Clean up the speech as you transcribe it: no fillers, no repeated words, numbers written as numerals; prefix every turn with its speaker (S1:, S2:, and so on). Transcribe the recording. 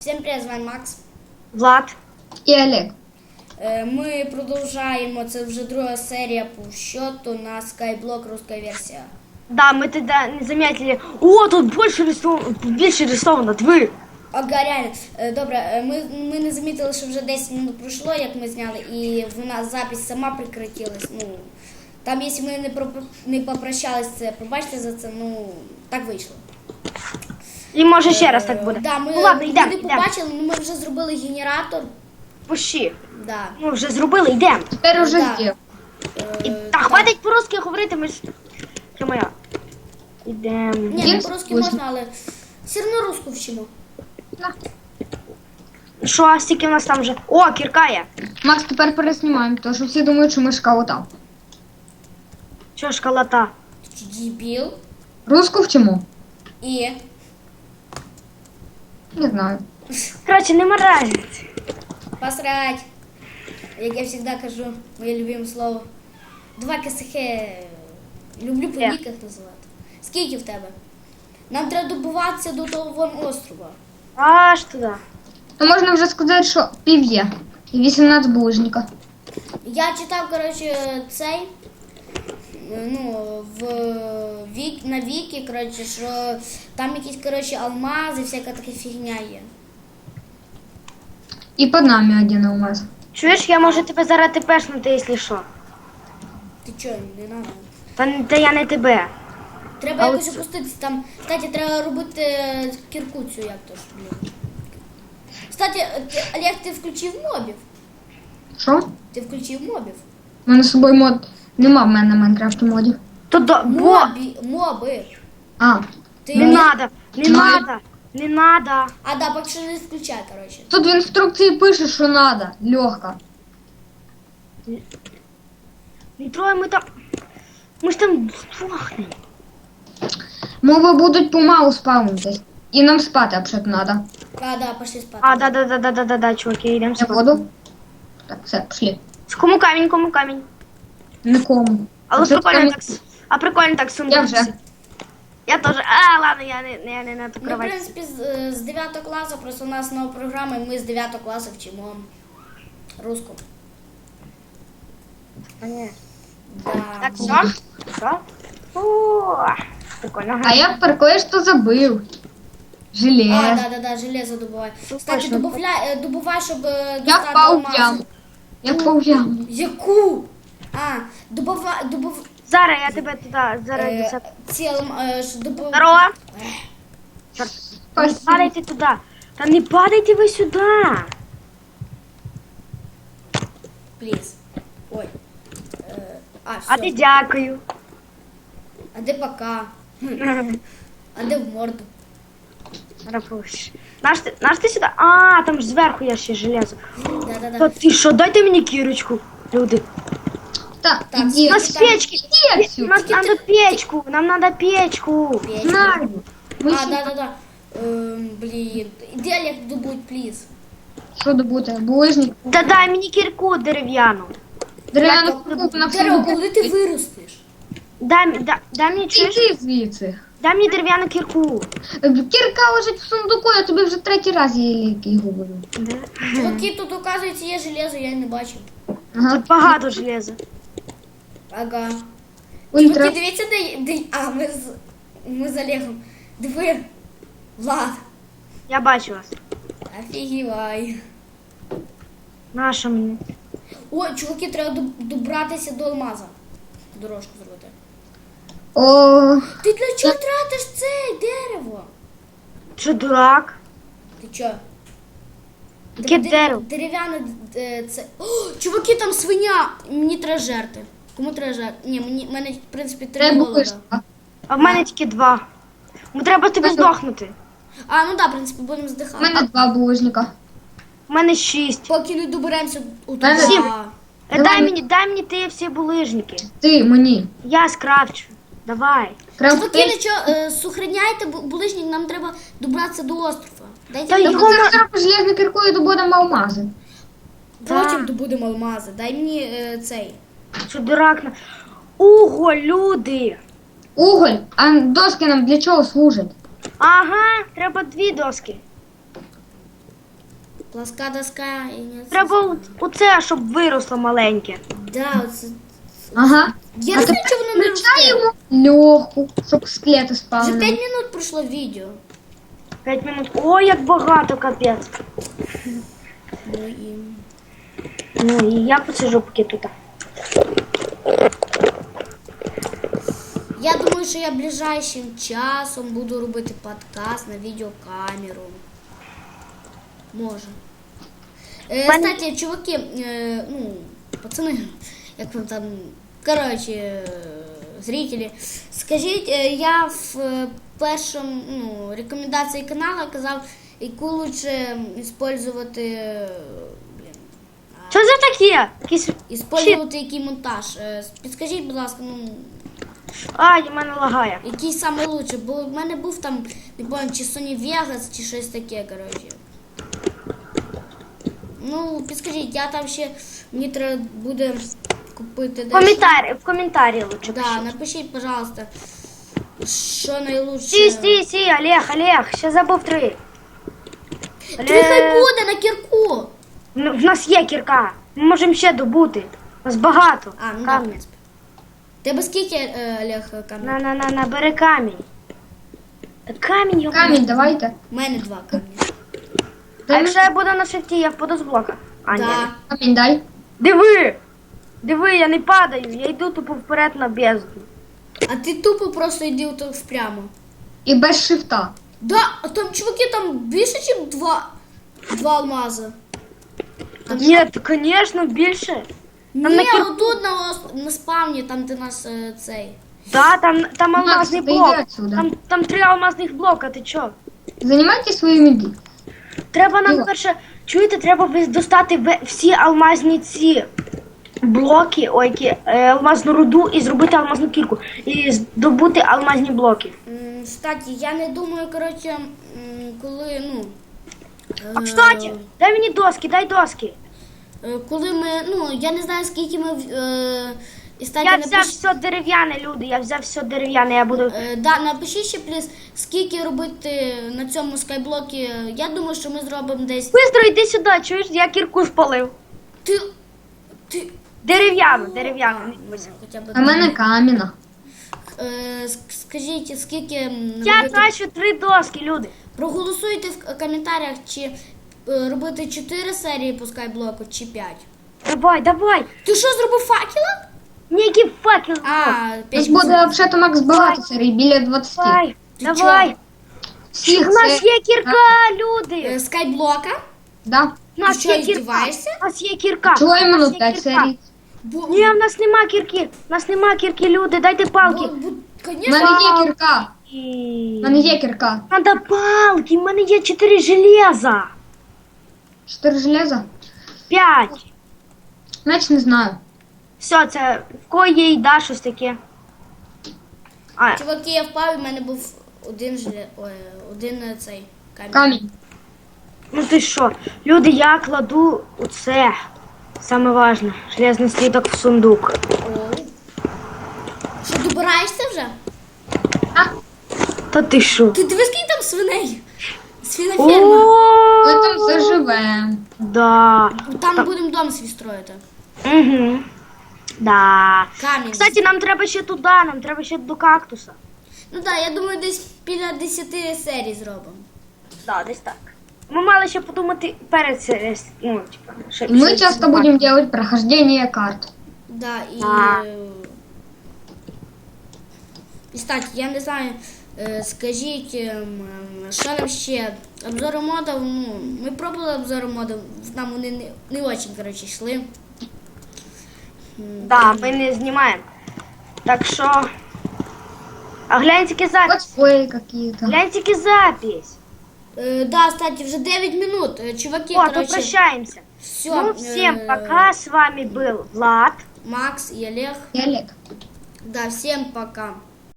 S1: Всім привіт, з вами Макс.
S2: Влад.
S3: І Олег.
S1: Ми продовжаємо, це вже друга серія по счету на Skyblock, русская версия.
S2: Да, мы тогда не заметили. О, тут більше рисовано, ви.
S1: Ага, реально. Добре, ми не замітили, що вже 10 минут пройшло, як ми зняли, і вона запись сама прекратилась. Ну, там, якщо ми не попрощались, це пробачте за це, ну, так вийшло.
S2: І може ще раз так буде.
S1: Да, ми
S2: Ну ладно,
S1: не
S2: йдемо.
S1: побачили, але ми вже зробили генератор.
S2: Пущі.
S1: Да.
S2: Ми вже зробили, йдемо.
S3: Тепер уже
S1: Да.
S3: з'їв.
S2: Та хватить по-русски говорити, ми ж... Що моя? Йдемо.
S1: Ні,
S3: Є
S1: не по-русски
S3: скучно.
S1: можна, але все одно русську вчимо.
S2: Що, а стільки у нас там вже? О, кірка є.
S3: Макс, тепер переснімаємо, тому що всі думають, що ми шкалота.
S2: Що школота?
S1: Ти дебіл.
S3: Руску вчимо?
S1: І
S3: Не знаю.
S2: Коротше, не разниці.
S1: посрать. Як я завжди кажу, моє любиме слово. Два косихи. Люблю по ніках називати. Скільки в тебе? Нам треба добуватися до того вон острова.
S2: Аж туди.
S3: То можна вже сказати, що пів є. І 18 булыжника.
S1: Я читав, коротше, цей. Ну, на Вікі, коротше, що там якісь, коротше, алмази, всяка така фігня є.
S3: І під нами один алмаз.
S2: Чуєш, я можу тебе зараз тепешнути, якщо що.
S1: Ти чого, не надо?
S2: Та я не тебе.
S1: Треба
S2: А
S1: якось
S2: от-
S1: опуститися там. Кстати, треба робити кірку цю, як то ж, блін. Кстати, Олег, ти включив мобів?
S3: Що?
S1: Ти включив мобів?
S3: У мене з собою мод. Нема в мене на Майнкрафті модів.
S2: То до... Бо...
S1: Моби.
S3: А.
S1: Ти
S2: Не надо, не
S3: Ну,
S2: надо, не надо.
S1: А, да, поки що не включай, коротше.
S3: Тут в інструкції пише, що надо. Легко.
S2: Не трогай, ми там... Ми ж там здохнемо.
S3: Мови будуть помалу спавнитись. І нам спати взагалі надо.
S1: А, да, пошли спати.
S2: А, да, чуваки, йдемо
S3: Я
S2: спати.
S3: воду. Так, все, пішли.
S2: Кому камінь, кому камінь.
S3: Нікому.
S2: Але
S3: Тут
S2: прикольно
S3: камінь-
S2: так, прикольно так сумно.
S3: Я вже.
S2: Я теж. Ладно, я не на ту
S1: Ми, в
S2: кровать.
S1: принципі, з 9 класу, просто у нас нова програма, і ми з 9 класу вчимо руску.
S2: Ні.
S1: Да.
S2: Так, все? Все? О, прикольно.
S3: А я про кое-что забыл. Желез.
S1: Да, железо добувай.
S2: Ну,
S1: Кстати,
S2: точно.
S1: добувай, щоб
S3: Я
S1: достати
S3: впав в
S1: алмази.
S3: яму. Я впав в яму.
S1: Яку? А, добувай,
S2: Зараз я тебе туди, зараз до себе.
S1: Здорово.
S2: Не
S3: Спасибо.
S2: падайте туди. Та не падайте ви сюди.
S1: Пліз. Ой.
S2: А
S1: Все.
S2: ти дякую.
S1: А де пока? А де в морду?
S2: Рапуш. Наш ти сюди? А, там ж зверху є ще железо.
S1: Да.
S2: Та ти що, дайте мені кірочку, люди.
S3: Так,
S1: Так,
S3: иди.
S2: У нас печки.
S3: Иди отсюда.
S2: Нам надо печку, нам надо печку.
S3: Знаю. Мы
S1: А,
S3: ще-
S1: да. Блін. Іди, Олег, добудь, пліз.
S3: Що добути? Булыжник.
S2: Та дай мені кірку дерев'яну.
S3: Дерев'яну купу на
S1: Дерево,
S3: всю.
S1: коли ти виростеш?
S2: Дай мені чуєш?
S3: Іди звідси.
S2: Дай мені дерев'яну кірку.
S3: Кірка лежить в сундуку, я тобі вже третій раз її говорю.
S1: Чуваки, тут, оказується, є железо, я не бачив.
S3: Ага.
S2: Тут багато железа.
S1: Ага.
S3: Ультра.
S1: Чуваки, дивіться, де... А, ми з Олегом. Диви. Влад.
S2: Я бачу вас.
S1: Офігівай.
S2: Наша мені.
S1: Ой, чуваки, треба добратися до алмаза. Дорожку зробити.
S3: О,
S1: Ти для чого тратиш це дерево?
S2: Що, дурак?
S1: Ти чо?
S2: Яке дерево?
S1: Дерев'яне це. О, чуваки, там свиня! Мені треба жерти. Кому треба жерти? Ні, мене, в принципі, три
S3: треба
S1: голода.
S3: вишка.
S2: А в мене тільки 2. Ми треба тобі
S3: Мене-
S2: здохнути.
S1: А, ну да, в принципі, будемо
S3: У
S1: здихати.
S3: мене 2 булыжника.
S2: У мене 6.
S1: Поки не доберемося у
S3: Мене
S1: туди.
S3: сім.
S2: Дай мені ти всі булижники.
S3: Ти мені.
S2: Я скрафчу. Давай.
S1: Чуваки, нічого, сохраняйте булижник, нам треба добратися до острова. Дайте
S2: Та
S1: мені.
S2: його-
S3: Зараз железну кірку і добудемо алмази.
S1: Потім
S2: Да.
S1: добудемо алмази. Дай мені цей.
S2: Що дурак на. Ого, люди!
S3: Уголь, а доски нам для чого служать?
S2: Ага, треба 2 доски.
S1: Плоска доска і не...
S2: Треба оце, щоб виросло маленьке.
S1: Да, оце...
S3: Ага.
S1: Я не знаю, чого воно не росте.
S3: Включаємо льоху, щоб скелети
S1: Вже
S3: спали.
S1: 5 минут пройшло відео.
S2: 5 минут. Ой, як багато, капець.
S1: Ну і...
S2: Ну і я посижу поки тут.
S1: Я думаю, що я ближайшим часом буду робити подкаст на відеокамеру. Може. Кстати, чуваки, ну, пацани, як вам там, коротше, зрителі, скажіть, я в першому, ну, рекомендації каналу казав, яку лучше использувати, блін,
S2: Що це таке? Якийсь...
S1: использувати який монтаж. Підскажіть, будь ласка, ну,
S2: Ай, в мене лагає.
S1: який саме лучше, бо в мене був там, не пам'ятаю, чи Sony Vegas, чи щось таке, коротше. Ну, підскажіть, я там ще, мені треба буде купити дещо.
S2: В коментарі лучше
S1: Да,
S2: пишіть.
S1: напишіть, пожалуйста, що найлучше.
S2: Стій, Олег, ще забув 3.
S1: Ти хай буде на кірку.
S2: Ну, в нас є кірка. Ми можемо ще добути. У нас багато.
S1: А, ну да, в
S2: камінь.
S1: принципі. Тебе скільки, Олег, камінь?
S2: На, бери камінь. Та камінь, його.
S3: Камінь, давайте.
S1: У мене 2 камні.
S2: А якщо я буду на шифті, я впаду з блока. А, ні.
S1: Да.
S3: Камінь дай.
S2: Диви, я не падаю, я йду тупо вперед на бездну.
S1: А ти тупо просто йди отак впрямо.
S3: І без шифта.
S1: Да, а там, чуваки, там більше, ніж 2 алмази.
S2: Ні, звісно, більше.
S1: Ні,
S2: на кір-
S1: отут на спавні, там де нас цей.
S2: Да, там
S3: Макс,
S2: алмазний
S3: ти
S2: блок.
S3: йди отсюда.
S2: Там 3 алмазних блока, ти чо?
S3: Займайте свої меди.
S2: Треба нам
S3: Іло.
S2: перше, чуєте, треба достати всі алмазні ці блоки, алмазну руду і зробити алмазну кірку. І здобути алмазні блоки.
S1: Кстати, я не думаю, коротше, коли, ну...
S2: А, кстати, дай мені доски, дай доски.
S1: Коли ми, ну, я не знаю, скільки ми... І, кстати,
S2: Я взяв все дерев'яне, люди, я взяв все дерев'яне, я буду...
S1: Да, напишіть ще, плюс, скільки робити на цьому скайблокі. Я думаю, що ми зробимо десь...
S2: Бистро, йди сюди, чуєш, я кірку спалив.
S1: Ти...
S2: Дерев'яну.
S1: Хоча б...
S3: А в мене каміна.
S1: Скажіть, скільки
S2: Я
S1: робити...
S2: трачу 3 доски, люди.
S1: Проголосуйте в коментарях, чи робити 4 серії по скайблоку, чи 5.
S2: Давай.
S1: Ти що, зробив факела?
S2: Ніякий факел.
S1: А,
S3: У
S1: 5
S3: нас буде взагалі Макс багато серій, біля 20.
S2: Давай.
S3: Всіх
S2: У нас
S3: це-
S2: є кірка, люди.
S1: Скайблока?
S3: Да.
S2: У нас
S1: що,
S2: є кірка.
S1: здіваєшся?
S2: У нас є кірка.
S3: Чого
S2: У нас
S3: іменно
S2: є
S3: 5
S2: кірка.
S3: серій?
S2: Ні, в нас нема кірки. У нас нема кірки, люди, дайте палки.
S3: У
S1: Конечно.
S3: мене є кірка. У мене є кірка.
S2: Надо палки, в мене є 4 железа.
S3: 4 железа?
S2: 5.
S3: Значить не знаю.
S2: Все, це в кого є їда, щось таке. А,
S1: Чуваки, я впав, і в мене був один цей камінь.
S3: Камінь.
S2: ну ти що? Люди, я кладу оце. Саме важне. Железний слідок в сундук.
S1: Оу. Що, добираєшся вже?
S3: А,
S2: Та ти що?
S1: Ти дивись, скільки там свиней. Свиноферма.
S3: ми там
S2: О,
S3: заживемо.
S2: да.
S1: Там будемо дом свій строїти.
S2: Угу. Да.
S1: Камінь.
S2: Кстати, нам треба ще туди, нам треба ще до кактуса.
S1: Ну так, я думаю, десь біля 10 серій зробимо.
S2: Да, десь так. Ми мали ще подумати перед ну, типа, ще
S3: Мы
S2: ще
S3: часто
S2: знімати.
S3: будем делать прохождение карт.
S1: Да, і...
S2: А.
S1: І, кстати, я не знаю, скажіть, що нам ще? Обзори модів, ну, ми пробували обзори модів, нам вони не дуже, коротше, йшли.
S2: Да, ми не знімаємо. Так що... А глянь тільки запись.
S3: Летсплеи какие-то.
S2: Глянь тільки запись.
S1: Да, кстати, вже 9 минут. Чуваки,
S2: О, то
S1: короче,
S2: прощаемся.
S1: все.
S2: Ну, всем пока. С вами был Влад.
S1: Макс и Олег.
S3: И Олег.
S1: Да, всем пока.